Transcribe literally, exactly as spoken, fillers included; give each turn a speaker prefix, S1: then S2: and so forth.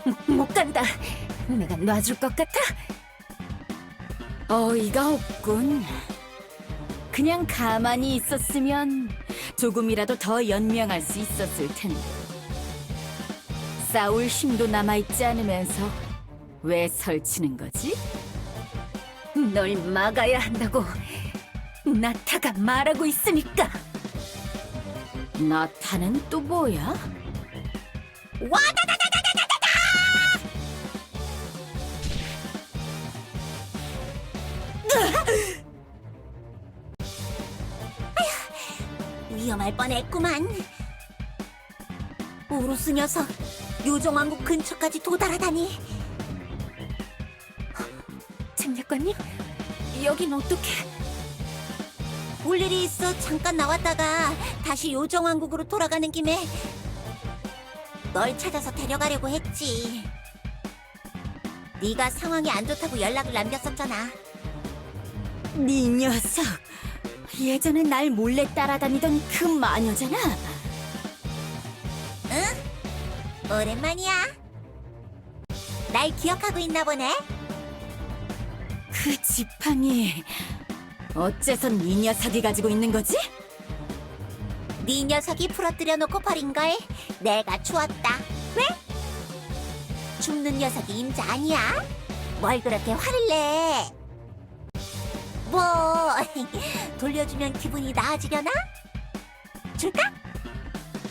S1: 못 간다. 내가 놔줄 것 같아? 어이가 없군. 그냥 가만히 있었으면 조금이라도 더 연명할 수 있었을 텐데. 싸울 힘도 남아있지 않으면서 왜 설치는 거지? 널 막아야 한다고 나타가 말하고 있으니까. 나타는 또 뭐야? 와다다다다다다다!
S2: 위험할 뻔했구만. 우루스 녀석, 요정왕국 근처까지 도달하다니.
S1: 장작관님, 여긴 어떻게?
S2: 볼 일이 있어 잠깐 나왔다가 다시 요정왕국으로 돌아가는 김에 널 찾아서 데려가려고 했지. 네가 상황이 안 좋다고 연락을 남겼었잖아.
S1: 네 녀석, 예전에 날 몰래 따라다니던 그 마녀잖아.
S2: 오랜만이야. 날 기억하고 있나 보네.
S1: 그 지팡이 어째서 네 녀석이 가지고 있는 거지?
S2: 네 녀석이 부러뜨려 놓고 버린 걸 내가 주웠다. 왜? 죽는 녀석이 임자 아니야? 뭘 그렇게 화를 내? 뭐 돌려주면 기분이 나아지려나? 줄까?